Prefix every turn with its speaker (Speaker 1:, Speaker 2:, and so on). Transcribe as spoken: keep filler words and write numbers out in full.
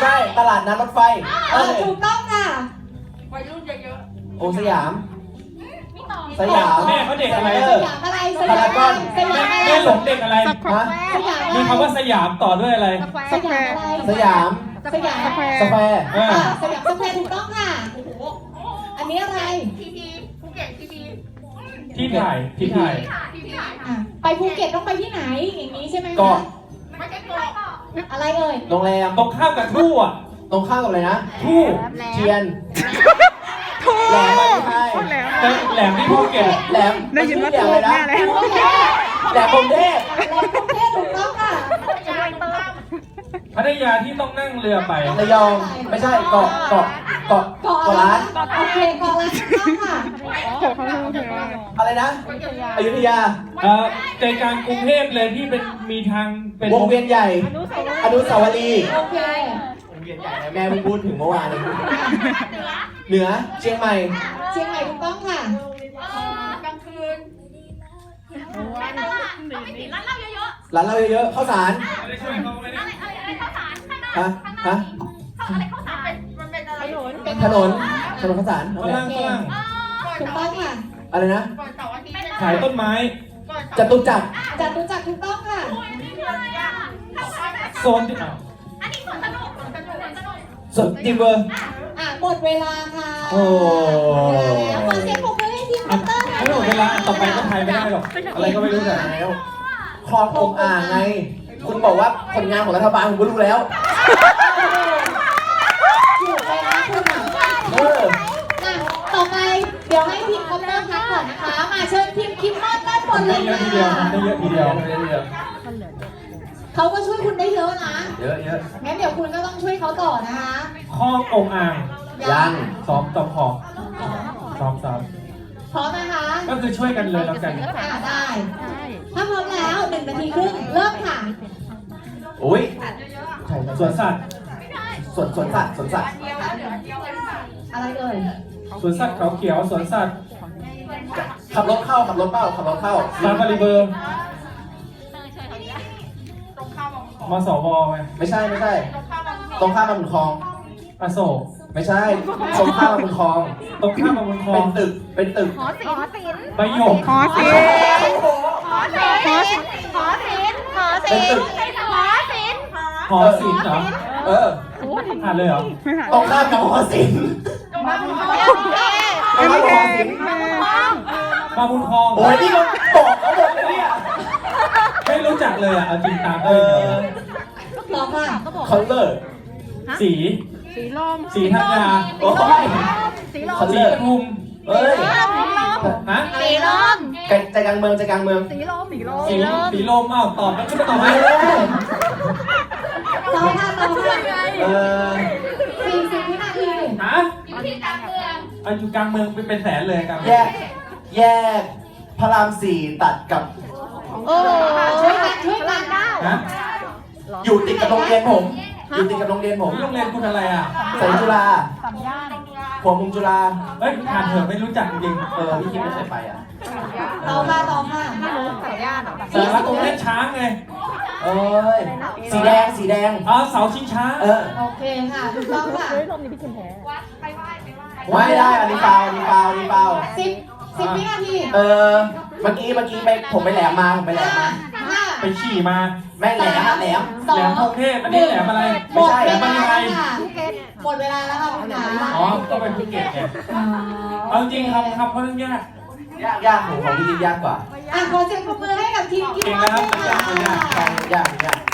Speaker 1: ช่ตลาดนัดรถไฟ
Speaker 2: เออถูกต้องค่ะวัยรุ่นเยอะ
Speaker 1: โอสยามสยาม
Speaker 3: แม่เขาเด็กอะไร
Speaker 2: สยามอะไรสยาม
Speaker 1: พารากอน
Speaker 2: สยาม
Speaker 3: แม่หลงเด็กอะไร
Speaker 1: ฮะ
Speaker 2: สยาม
Speaker 3: มีคำว่าสยามต่อด้วยอะไร
Speaker 2: สยามอะไร
Speaker 1: สยาม
Speaker 2: สยาม
Speaker 1: สแควร์
Speaker 3: เออ
Speaker 2: อ่าสยามสแควร์ถูกต้องค่ะอันนี้อะไร
Speaker 4: พีพีภูเก็ตพีพี
Speaker 3: ที่ถ่ายที่ถ่าย
Speaker 4: พีพีถ่าย
Speaker 2: อ่ะไปภูเก็ตต้องไปที่ไหนอย่างนี้ใช่ไหมคะ
Speaker 1: เกาะ
Speaker 4: ไม่ใช่เกาะ
Speaker 2: อะไรเอ่ย
Speaker 1: โรงแรม
Speaker 3: ตรงข้ามกับทู่อ่ะ
Speaker 1: ตรงข้ามกับอะไรนะ
Speaker 3: ทู่
Speaker 1: เทียนแหลมไม่ใช่
Speaker 3: แต่แหลมที่ภูเก็ต
Speaker 1: แหลม
Speaker 5: ได้ยินว่า
Speaker 1: แหล
Speaker 5: ถู
Speaker 1: ม
Speaker 5: ก
Speaker 1: อะไรนะ
Speaker 5: แน่เลย
Speaker 1: แหลมพรหมเทพ
Speaker 2: แหลมกรุงเทพถูกต้องค่ะ
Speaker 3: พัทยาที่ต้องนั่งเรือไประ
Speaker 1: ยองไม่ใช่เกาะเกาะเกาะ
Speaker 2: เกาะ
Speaker 1: เกาะล้าน
Speaker 2: โอเคเกาะล้านถูกต้องค่ะ
Speaker 1: อะไรนะอยุธยา
Speaker 3: เอ่อใจกลางกรุงเทพเลยที่เป็นมีทางเป็น
Speaker 1: วงเวียนใหญ่อนุสาวรีย์
Speaker 2: โอเค
Speaker 1: วงเวียนใหญ่นะแม่เพิ่งพูดถึงเมื่อวานเลยเหนือเชียงใหม่
Speaker 2: เชียงใหม่ถูกต้องค่ะ
Speaker 4: กลางคืนในตลาดต้องไม่ติดร้านเหล้าเยอะ
Speaker 1: ร้านเราเยอะๆข้าวสาร
Speaker 3: ไม่ได้ช่วยเขาไม่
Speaker 4: ๆ
Speaker 3: ได้
Speaker 4: อะไรอะไรอะไรข้าวสารข้างหน้า
Speaker 1: ฮะ
Speaker 4: ข้างหน้า
Speaker 1: ฮะ
Speaker 4: ข้าวอะไรข้าวสารมันเป็นอะไร
Speaker 1: ถนนถนนข้าวสาร
Speaker 3: ฝรั่งฝรั่ง
Speaker 2: ถูกต้องค่ะ
Speaker 1: อะไรนะ
Speaker 4: ก่อนเสาร์อาทิตย์
Speaker 3: ขายต้นไม้
Speaker 4: ก่อน
Speaker 1: จตุจักร
Speaker 2: จัดรู้จักถูกต้องค่ะ
Speaker 3: โซนที่อ้าว
Speaker 4: อันนี้สวนสนุกสวนสนุกสวนสนุก
Speaker 1: สดดิเวอร์
Speaker 2: อ่ะหมดเวลาค่ะ
Speaker 1: โอ้
Speaker 2: แล้วขอเสียงปรบมือให้ทีมคอปเตอร์หน่อย
Speaker 3: ไม่หมดเวลาต่อไปก็ไทยไม่ได้หรอกอะไรก็ไม่รู้แต่
Speaker 1: แล้วคลององอ่างไง คุณบอกว่าผลงานของรัฐบาลผมก็รู้แล้ว
Speaker 2: ถูกเลยนะคุณอ่ะ
Speaker 1: เออ
Speaker 2: อ่ะต่อไปเดี๋ยวให้ทีมคอปเตอร์พักก่อนนะคะ มาเชิญทีมคิมมอนด้านบนเล
Speaker 3: ได้
Speaker 2: ย
Speaker 3: เยอะ
Speaker 2: ค่ะ
Speaker 3: ทีเดียวได้เยอะทีเดียว
Speaker 1: เยอะ
Speaker 2: เขาก็ช่วยคุณได้เยอะนะ
Speaker 1: เยอะเยอะ
Speaker 2: งั้นเดี๋ยวคุณก็ต้องช่วยเขาต่อนะคะ
Speaker 3: คลององอ่าง
Speaker 1: ยัง
Speaker 3: ซ้อมต่อของซ้อมซ้อม
Speaker 2: พร้อมนะคะ
Speaker 3: ก็คือช่วยกันเลยแล้วกัน
Speaker 2: อ่าได้ ถ้าพร้อมแล้วหนึ่งนาทีครึ่งเริ่มค่ะ
Speaker 1: อุ้ยใช่
Speaker 3: สวนสัตว์
Speaker 1: สวนสวนสัตว์สวนสัตว์
Speaker 2: อะไรเอ่ย
Speaker 3: สวนสัตว์เขาเขียวสวนสัตว์
Speaker 1: ขับรถเข้าขับรถเข้าขับรถเข้า
Speaker 3: ซาฟารีเบอร์
Speaker 4: ตรงข้ามบาง
Speaker 3: มสวไง
Speaker 1: ไม่ใช่ไม่ใช่
Speaker 4: ตรงข้ามบาง
Speaker 1: ตรงข้ามมาบุญคลอง
Speaker 3: อโศก
Speaker 1: ไม่ใช่ตรงข้ามมาบุญคลอง
Speaker 3: ตรงข้ามมาบนคลอ
Speaker 1: เป็
Speaker 3: ง
Speaker 1: นตึกเป็นตึก
Speaker 4: หอศิลป์
Speaker 3: ใบหยก
Speaker 5: ขอสิ
Speaker 4: หอศิลป์หอศิลป์หอศิลป์หอศิลป์หอศิลป์
Speaker 3: หอศิลป์เหรอ
Speaker 1: เออ
Speaker 3: อ่านเลยเหรอ
Speaker 5: ไม่หาย
Speaker 1: ตรงข้ามกับหอศิลป์
Speaker 4: ตรงข้ามบาง
Speaker 1: ตรงข้ามกับหอศิลป์
Speaker 3: มาบุญคลอง
Speaker 1: โอ้ยนี่มันบอกเขาหมดเลยเนี่ย
Speaker 3: ไม่รู้จักเลยอ่ะเอาจริงตาม
Speaker 1: เอ
Speaker 3: ได้
Speaker 1: อ
Speaker 2: ต่อค่ะ
Speaker 1: คอนเลอร์
Speaker 3: สี
Speaker 5: สีลม
Speaker 3: สีธัญญา
Speaker 1: โอ้ย คอน
Speaker 3: สี
Speaker 1: เลอร์
Speaker 3: ปทุม
Speaker 1: เอ้ย
Speaker 3: ฮะ
Speaker 4: สีลม
Speaker 1: ใจกลางเมืองใจกลางเมือง
Speaker 4: สีลมสีลม
Speaker 3: สีสีลมอ้าวตอบแล้วก็ตอบไม่
Speaker 1: เอ้
Speaker 3: ได้
Speaker 1: ย
Speaker 2: ต่อค่ะต่อค่ะ
Speaker 1: เออ
Speaker 2: สี่สิบวินาที
Speaker 3: ฮะ
Speaker 4: อยู่ที่กลางเมือง
Speaker 3: อันอยู่กลางเมืองเป็นแสนเลยกลางเมื
Speaker 1: แย
Speaker 3: อง
Speaker 1: กแยกพระรามสี่ตัดกับ
Speaker 2: โอ้ช่วยกันช่วยกัน
Speaker 3: ฮะ
Speaker 1: อยู่ติดกับโรงเรียนผม อยู่ติดกับโรงเรียนผม
Speaker 3: โรงเรียนคุณอะไรอ่ะ
Speaker 1: แสงจุฬาหัวมุมจุฬา
Speaker 3: เฮ้ยผ่านเถอะไม่รู้จักจริง
Speaker 1: เออพี่คิดไม่เคยไปอ่ะ
Speaker 2: ต่อค่ะต่อค่ะ
Speaker 3: ๆแต่ว่าตรงเล่นช้างไง
Speaker 1: เอ้ย สีแดงสีแดง
Speaker 3: อ๋อเสาชิงช้า
Speaker 1: เออ
Speaker 2: โอเคค่ะถูกต้องค่ะ
Speaker 4: วัดไปไหว้ไปไหว้
Speaker 1: ไม่ได้อันนี้เปล่าอันนี้เปล่าอันนี้เปล่า
Speaker 2: สิบสิบวินาที
Speaker 1: เออ เมื่อกี้เมื่อกี้ไปผมไปแหลมมาผมไปแหลม
Speaker 2: ห้า
Speaker 1: มา
Speaker 2: ห้า
Speaker 3: ไปขี่มา
Speaker 1: แม่แหลมอะแหลม
Speaker 2: สอ
Speaker 3: แหล
Speaker 2: ง
Speaker 3: มพงเทพอันนี้แหลมอะไร
Speaker 2: หมดเว
Speaker 3: แหล
Speaker 2: ลาม
Speaker 3: มันยังไง
Speaker 2: แล้วค่ะหมดเวลาแล้วค่ะคุณขา
Speaker 3: อ๋อก็เป็นภูเก็ตไงเอาจริงครับครับเพราะเรื่องยาก
Speaker 1: ยากยากของของพี่คิดยากกว่า
Speaker 2: อ่ะขอเสียงปรบมือให้กับทีมคิม
Speaker 3: เก่ง
Speaker 2: มอ
Speaker 3: นะ
Speaker 2: น
Speaker 3: ครับ
Speaker 2: ด้วยค่ะ
Speaker 1: ยากยากยาก